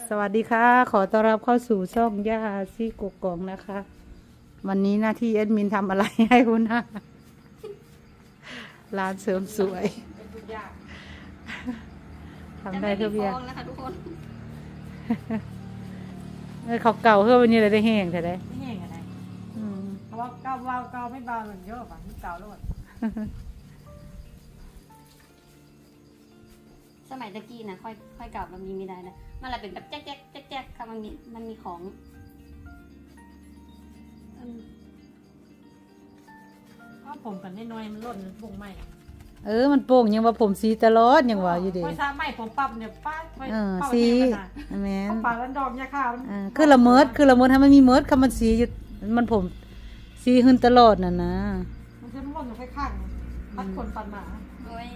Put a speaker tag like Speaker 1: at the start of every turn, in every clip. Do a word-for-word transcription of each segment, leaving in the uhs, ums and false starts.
Speaker 1: สวัสดีค่ะขอต้อนรับเข้าสู่ช่องย่าซี่กกองนะคะ วันนี้หน้าที่แอดมินทำอะไรให้คุณนะร้านเสริมสวยทำได้ทุกอย่าง
Speaker 2: นะคะทุกคน
Speaker 1: เออเขาเก่าเพื่อวันนี้เลยได้แห้งแต่ได้
Speaker 3: ไม่แห้งอะไร
Speaker 1: อืม
Speaker 3: เพราะว่าเกาเบาเกาไม่เบาเหมือนเยอะป่ะเกาโลด
Speaker 2: สมัยตะกี้นะค่อยค่อยเก่ามันมีไม่ได้นะมันอะไรเป็นแบบแจ๊กแจ๊กแจ๊กแจ๊กค่ะมันมีมันมีของอืม
Speaker 3: เพราะผมกันน้อยๆมันล่นมันปุ่งไหม
Speaker 1: เออมันโป่งยังว่าผมสีตลอดยังว่าอยู่ดี
Speaker 3: ค่อยซ้ำไหมผมปรับเนี่ยป้าค่อย
Speaker 1: เออ
Speaker 3: เป่า
Speaker 1: สี
Speaker 3: เองนะ
Speaker 1: แม่น
Speaker 3: ปากแล้วดอกยาข้าว
Speaker 1: เออคือละเมิดคือละเมิดถ้ามันมีเมิดคำมันสีอยู่มันผมสีขึ้นตลอดน่ะนะ
Speaker 3: มันจะล่นอยู่ข้างๆพัดคนฟันหมา
Speaker 2: โอ้ย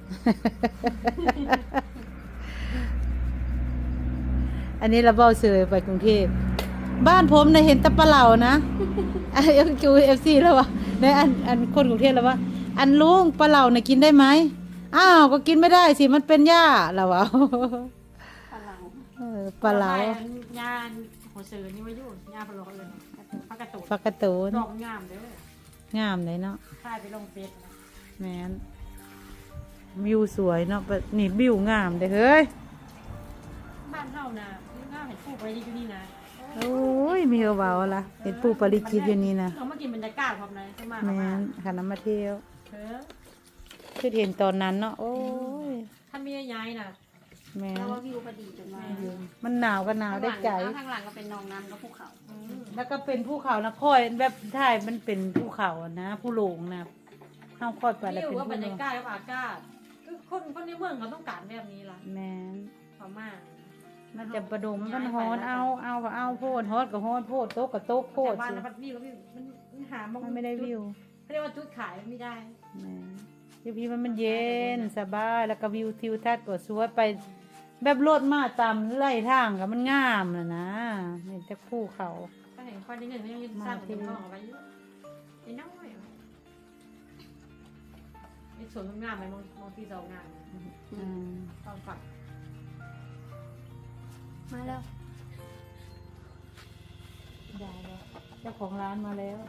Speaker 1: อันนี้เราเบ้าเสยไปกรุงเทพบ้านผมเนี่ยเห็นแตะปลาเหล่านะ อันเอฟจูเอฟซีแล้ววะในอันอันคนกรุงเทพแล้ววะอันลุงปลาเหล่าเนี่ยกินได้ไหมอ้าวก็กินไม่ได้สิมันเป็นหญ้าแล้ววะ
Speaker 2: พลัง
Speaker 1: เออปลาเหลา
Speaker 3: ญาหัวเสือนี่มายุ่งญาพะโล้เลยพักกระตุก
Speaker 1: ฟักกระตูน
Speaker 3: ดอกงามเด้อง
Speaker 1: ามเลยเนาะ
Speaker 3: ถ่ายไปลงเฟซนะ
Speaker 1: แม่นวิวสวยเนาะนี่วิวงามเลยเฮ้ย
Speaker 3: บ้านเฮานะงามเห็นผู้ไปที่นี่นะ
Speaker 1: โอ้ยมีเอเบาละเห็นปูปริจิตอยู่นี่นะ
Speaker 3: เอามากินบรรยากาศพร้อมเลยจะมา
Speaker 1: แม่นขันน้ำมาเที่ยว
Speaker 3: เออ
Speaker 1: คือเห็นตอนนั้นเนาะโอ้ย
Speaker 3: ถ้ามีย้ายน่ะ
Speaker 1: แม่
Speaker 2: แล้ว
Speaker 1: น
Speaker 2: ว่าวิวพอดีจนมา
Speaker 1: มันหนาวก็หนาวได้ใจ
Speaker 2: ข้างหลังก็เป็นนองน้ำแล้วภูเขา
Speaker 1: แล้วก็เป็นภูเขานะค่อยแบบถ่ายมันเป็นภูเขาอะนะผู้หลงนะห้ามค่อยไปแล้ว
Speaker 3: นี่
Speaker 1: เป็น
Speaker 3: ว่าบร
Speaker 1: ผู้
Speaker 3: ร
Speaker 1: หล
Speaker 3: ยาง กาศกับอากาศคือคนคนในเมืองเขาต้องการแบบนี้ล่ะ
Speaker 1: แม่น
Speaker 3: พม่า
Speaker 1: มันจะประดงมันฮ้อนเอาเอาก็เอาโพดฮอดก็ฮอดโพดโต๊ะก็โต๊ะโพ
Speaker 3: แต่
Speaker 1: ด
Speaker 3: บ้าน
Speaker 1: สิ
Speaker 3: นะพัดวิวแล้ววิวมันมันหา
Speaker 1: มันไม่ได้วิว
Speaker 3: เขาเรียกว่าจุดขายไม่ได้
Speaker 1: แม่นอยู่พี่มันมันเย็นสบายแล้วก็วิวทิวทัศน์ก็สวยไป แบบรถมาตามไล่ทางก็มันงามน่ะนะเห็นแต่ภูเขา
Speaker 3: ก็เห็นคนในเงินเขายังสร้างเป็นห้องเอาไว้เยอะไอ้น้อยไอ้สวนงามไหมมองมองที่เรางาม
Speaker 1: อืม
Speaker 3: ต้องฝัก
Speaker 2: มาแล้ว
Speaker 1: ได้แล้วเจ้าของร้านมาแล้ว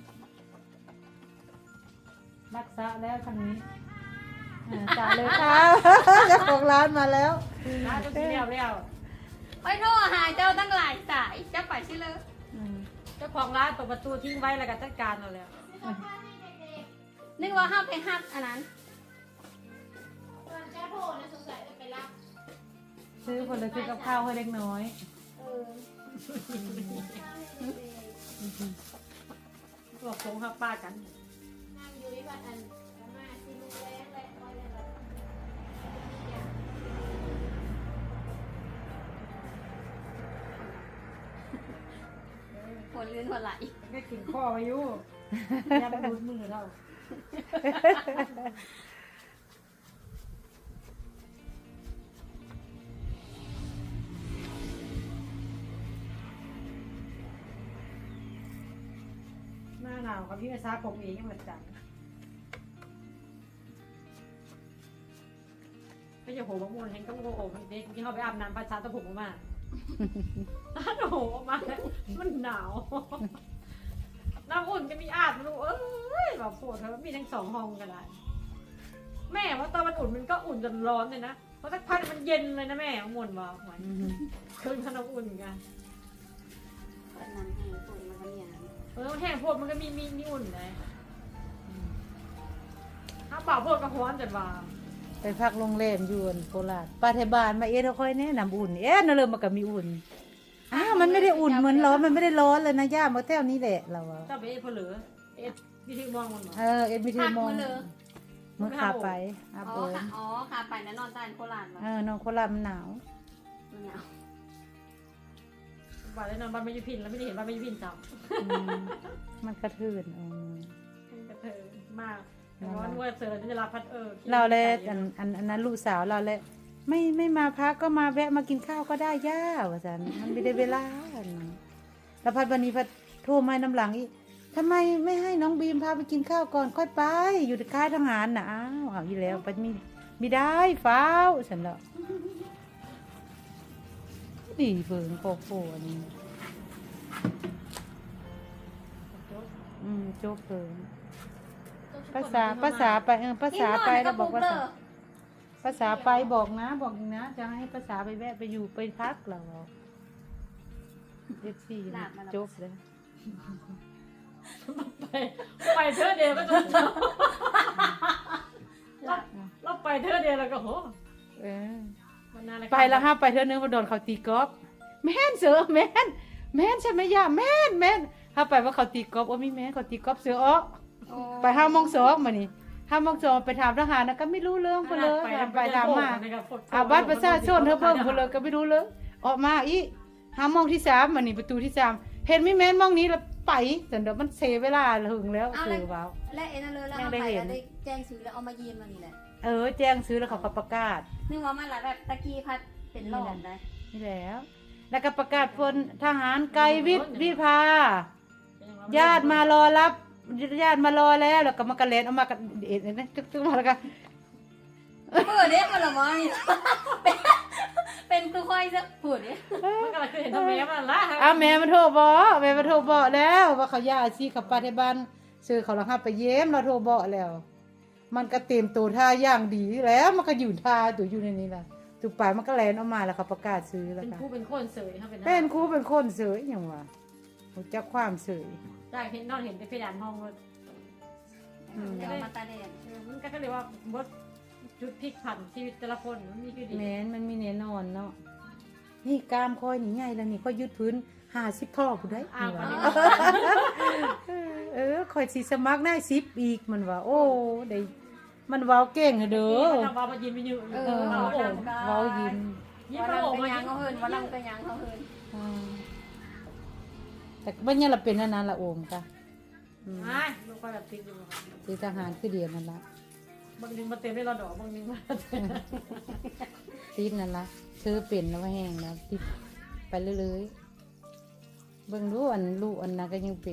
Speaker 1: รักษาแล้วทางนี้อ่าจ่ายเลยค่ะ เจ้าของร้านมาแล้ว
Speaker 3: ร้านจะเรียวเรียว
Speaker 2: ไปโทรหาเจ้าตั้งหลายสายเจ้าไปใช่เลย
Speaker 1: อืม
Speaker 3: เจ้าของร้านเปิดประตูทิ้งไว้แล้วก็จัดการเอาแล้ว
Speaker 2: นึกว่าห้ามไปฮับอันนั้น
Speaker 1: ซื้อผลไม้ซื้อกับข้าวให้เล็กน้อย
Speaker 3: บอกสงครับป้ากัน
Speaker 2: หัวลื่นหัวไหล
Speaker 3: ก็กินข้อมาอยู่ยันดูดมือเราหน้าหนาวกับพี่อาซาผมเองเหมือนกันไม่ใช่โหมะม่วงเห็นก็โอ้โหมันเด็กที่เขาไปอาบน้ำประชาตะผมมาอ้าวโหมามันหนาว น้ำอุ่นจะมีอาบรู้เอ้ยแบบปวดแล้วมีทั้งสองห้องกันได้แม่ว่าตอนมันอุ่นมันก็อุ่นจนร้อนเลยนะเพราะสักพักมันเย็นเลยนะแม่เอามวนว่าหวย
Speaker 1: อืม
Speaker 3: คืนขนมอุ่นกัน
Speaker 2: อันนั้นให้คนมันก็มีอย่างนั้น
Speaker 3: เออแห้งโพดมันก็มีมีมีอุ่นเลยถ้าเปล่าโพดก็ร้อนจนว่า
Speaker 1: ไปพักโรงแรมอยู่โคราชปาเทบานมาเอ๊ะเราค่อยแนะนำอุ่นเอ๊ะนั่นเลยมันก็มีอุ่นอ้าวมันไม่ได้อุ่นเหมือนร้อนมันไม่ได้ร้อนเลยนะย่ามาเท่านี้แหละเราอะ
Speaker 3: เจ้าไปเอ็ดเพลือเอ็ดวิธีมองมันเหรอ
Speaker 1: เออเอ็ดมิทีมอง
Speaker 2: เลย
Speaker 1: เมื่อขาไปอา
Speaker 2: อ๋
Speaker 1: โป
Speaker 2: อ
Speaker 1: ม
Speaker 2: ค่ะอ๋อค่ะไปแล้วนอนใต้โคราชวะ
Speaker 1: เออนอนโคราชมันหนาว
Speaker 2: มันหนาว
Speaker 3: บ้านแล้วนอนบ้านไม่ยุพินแล้วไม่ได้เห็นบ้านไม่ยุพินจับ
Speaker 1: อืมมันกระทืนอืม
Speaker 3: กระเทยมากร้อนว่าเสือจะรับพัดเออ
Speaker 1: เราเลยอันอันอันนั้นลูกสาวเราเลยไม่ไม่มาพักก็มาแวะมากินข้าวก็ได้ย่าว่าสันมันไม่ได้เวลาแล้วพัดวันนี้พัดโทรมาน้ำหลังอีกทำไมไม่ให้น้องบีมพาไปกินข้าวก่อนค่อยไป อยู่ค่ายทหารนะอ้าวเอาอยู่แล้วไปมีไม่ได้ฟ้าวฉันละดีเฟิงโคโค่อันนี้อืมโจ๊กเฟิงภาษาภาษาไปเออภาษาไปแล้วบอกภาษาภาษาไปบอกนะบอกอีกนะจะให้ภาษาไปแวะไปอยู่ไปพักเราเอฟซีโจ๊กเลย
Speaker 3: ไปไปเธอเดียวก็จะเราไปเธอเดียวแล้วก็โห
Speaker 1: เออ
Speaker 3: มันน่ารัก
Speaker 1: ไปแล้วห้าไปเท่านึงมาโดนเขาตีกอล์ฟแม่นเสือแม่นแม่นใช่ไหมย่าแม่นแม่นถ้าไปว่าเขาตีกอล์ฟโอ้ไม่แม่นเขาตีกอล์ฟเสืออ๋อไปห้าโมงสองมานี่ห้าโมงสองไปถามทหารนะก็ไม่รู้เรื่องเพนเลยไปถามมาอาบัตรประชาชนเธอเบิ่งเพนเลยก็ไม่รู้เลยออกมาอีห้าโมงที่สามมานี่ประตูที่สามเห็นไม่แม่นมองนี้แล้วไปแต่เดี๋ยวมันเสียเวลาถึงแล้วคือว้าว
Speaker 2: และเอ็นเลยแล้วเอาไปแล้วได้แจ้งซื้อแล้วเอามายืมมานี่แหละ
Speaker 1: เออแจ้งซื้อแล้วเขาก็ประกาศ
Speaker 2: นึกว่ามันละแบบตะกี้พัดเป็นหลอดได้
Speaker 1: นี่แล้ว แล้วก็ประกาศพลทหารไกรวิทย์วิภาญาติมารอรับญาติมารอแล้วแล้วก็มากระเลนเอามากระเอ็ดนะตึ๊กๆมาแล้วก็
Speaker 2: เปิดเด้มันละมั้งเป็นคือค่อยจะเปิดเด้
Speaker 3: มันก็เลยคือเห็นทำแม่มันละ
Speaker 1: อ้าวแม่มาโทรบอกแม่มาโทรบอกแล้วว่าเขาญาติสิกับป้าที่บ้านซื้อเขาละห้าไปเยี่ยมเราโทรบอกแล้ว มันก็เต็มตัวท่าอย่างดีแล้วมันก็อยู่ท่าตัวอยู่ในนี้ล่ะถูกปมันก็แลนออกมาแล้วเขาประกาศซื้อแล้ว
Speaker 3: เป็น
Speaker 1: ค่ะ
Speaker 3: ผู้เป็นคนเสยครับเป็น
Speaker 1: เป็นครูเป็นคนเสยอย่างว่ารู้จักความเสย
Speaker 3: ได้เห็นนอนเห็นในเพดานห้องเลย
Speaker 2: เดี๋ยวมาตาแดด
Speaker 3: มันก็เลยว่าบดจุดพลิกผันชีวิตแต่ละคนมันมีคือดี
Speaker 1: แม้นมันมีแน่นอนเนาะนี่กล้ามคอยนี่ใหญ่แล้วนี่ค่อยยืดพื้นห้าสิบท่อผู้ได้
Speaker 3: อ้าว
Speaker 1: นี่ว่าเออคอยสีสมัครได้สิบอีกมันว่าโอ้ได้มันเว้าเก่งเด้อ
Speaker 3: ทำว่ามันยิ้มไม่ยืด
Speaker 1: เออเว้ายิ้ม
Speaker 3: ยิ้ม
Speaker 2: วัน
Speaker 3: โอ้
Speaker 2: ลัง
Speaker 3: มา
Speaker 2: ไปยั
Speaker 3: ยิ้
Speaker 2: ง
Speaker 3: ม
Speaker 2: เขาเฮินวันลังไปยังเขาเฮิน
Speaker 1: อ่าแต่บ้านเนี่ยเราเป็นอันนั้นละโอมค่ะอืม
Speaker 3: ไม่ลูกก็แบบติดอยู่
Speaker 1: คือทหารคือเดียวนั่นละ
Speaker 3: บางนึงมาเต็มได้รอดอกบางนึงมาเต็ม
Speaker 1: ติดนั่นละซื้อเป็นแล้วว่าแห้งแล้วติดไปเรื่อยๆเบิ่งดูอันลูกอันนั้นก็ยังเป็น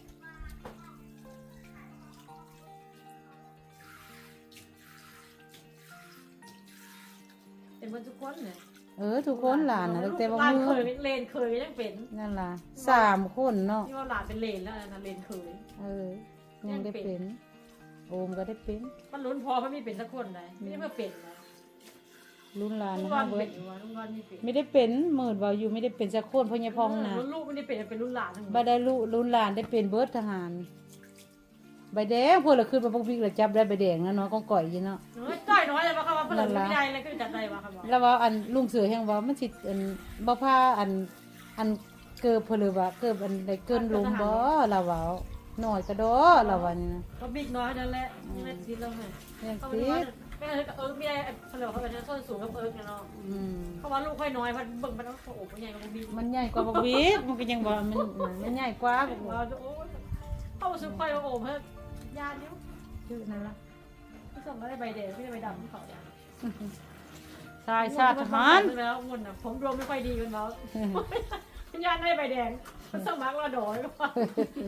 Speaker 3: เป็นเหมือนทุกคนเนี่ย
Speaker 1: เออทุกคนหลานนะตั้งแต่ว่า
Speaker 3: หลาน
Speaker 1: มื
Speaker 3: เค
Speaker 1: อย
Speaker 3: เลนเคยยังเป็น
Speaker 1: นั่นล่ะสามคนเนาะ
Speaker 3: ที่ว่าหลานเป็นเลนแล้วนะเลนเคย
Speaker 1: เออ ยังได้เป็น โอมก็ได้เป็น
Speaker 3: มันลุ้นพอมันมีเป็นสักคนเลยไม่ได้เพื่อเป็นนะ
Speaker 1: รุ่นหลาน
Speaker 3: ลุง
Speaker 1: นะ
Speaker 3: รอ
Speaker 1: ฮะ
Speaker 3: น
Speaker 1: เบิ
Speaker 3: เป็
Speaker 1: ด
Speaker 3: นอยู่วะลุงรอนมีเป็น
Speaker 1: ไม่ได้เป็นหมื่นว่าอยู่ไม่ได้เป็นสักคนเพราะยายพองนะ
Speaker 3: รุ่นลูกไม่ได้เป็นเป็นรุ่นหลานทั้งหม
Speaker 1: บ่
Speaker 3: ด
Speaker 1: ได้ลูกรุ่นหลานได้เป็นเบิร์ดทหารใบแดงพวกเราขึ้นมาพวกพี่เราจับได้ใบแดงนะเนาะก้องก่อยอยี่เนาะ
Speaker 3: เฮ้ยจ้อยน้อยเลยว่าคำว่าเพื่อนไม่ได้เลยก็จัดได้ว่าคำว่า
Speaker 1: แล้วว่าอันลุงเสือแห่งว่ามันสิอันบ่พาอันอันเกิบเพนเลยว่าเกิบอันได้เกินลมบ่เราว่าน้อยก็ดอเราว่านี่นะ
Speaker 3: ก็บิ๊กน้อยนั่นแหละนี่แหละซีแล้วไง
Speaker 1: ยัง
Speaker 3: เขา
Speaker 1: ติ
Speaker 3: ไม่ว่า
Speaker 1: ด
Speaker 3: ไม่เอิร์กเอิร์กไม่ได้เขาเรียกว่าเขาเป็นส้นสูงกับเอิร์กเนาะ
Speaker 1: อืม
Speaker 3: เขาว่าลูกค่อยน้อยมันเบิ่งมันต้องโอ้โหใหญ่กว่าบิ๊ก
Speaker 1: มันใหญ่กว่าบักวิกมันก็ยังบ่มันมันใหญ่กว่าบักวิ
Speaker 3: ว่าก โอ้เข้าสุดค่อยโอ้เพิ่มยานิ้ว
Speaker 1: ชื่อนั่นล่ะ
Speaker 3: ที่ส่งก็ได้ใบแดงไม่ได้ใบดำที่เขาเนี่ย
Speaker 1: ชายชาติทหาร
Speaker 3: แล้วงุ่นอ่ะผมรวมไม่ค่อยดีกันแล้วพิญญาได้ใบแดงมันสมัครเราโดยก็ว่า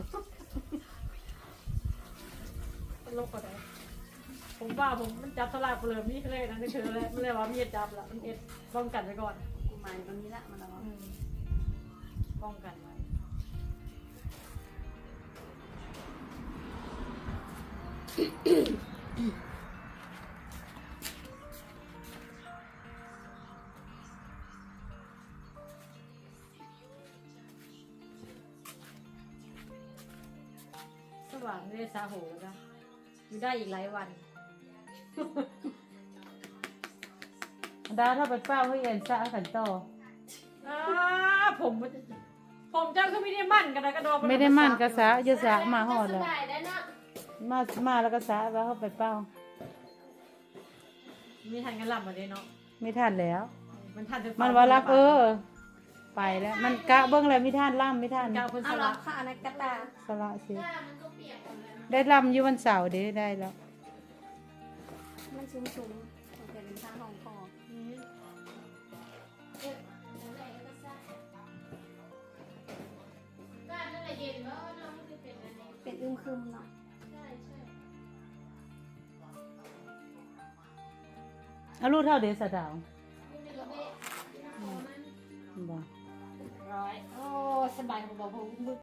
Speaker 3: โลกก็ได้ผมว่าผมมันจับสลากเปลือกนี่เลยนะนี่คือเลยมันเลยว่ามีจับละมันเอ็ดป้องกันไว้ก่อน
Speaker 2: กูมาตรงนี้ละมันละมั้ง
Speaker 3: ป้องกันไว้สว่างไม่ได้ซาโหแล้วนะอยู่ได้อีกหลายวัน
Speaker 1: ดาถ้าไปเป้าให้เอ็นซะกันต่อ
Speaker 3: อ่าผมผมเจ้าก็ไม่ได้มั่นกันนะกระดอง
Speaker 1: ไม่ได้มั่นกระสะยะสะมาหอดแล้วมามาแล้วก็สะว่าเขาไปเป้า
Speaker 3: มีทันกันลำมาเลยเนาะ
Speaker 1: ไม่ทันแล้ว
Speaker 3: มันทัน
Speaker 1: มันว่ารับเออ ไปแล้ว มันกะเบิ้งอะไรไม่ทันล่ำไม่ทัน
Speaker 3: กาวคนส
Speaker 2: เอา
Speaker 3: ละ
Speaker 2: ละค่ะอันนั้นกระตา
Speaker 1: สละสิได้ล่ำอยู่วันเสาร์เด้ได้แล้ว
Speaker 2: มันชุ่มๆมันเป็นทางของคอเป็นอึมครึมเนาะ
Speaker 1: เอาลูกเท่าเดสะดาวอืมบ่
Speaker 2: ร้อยโอ้สบายของบอกผม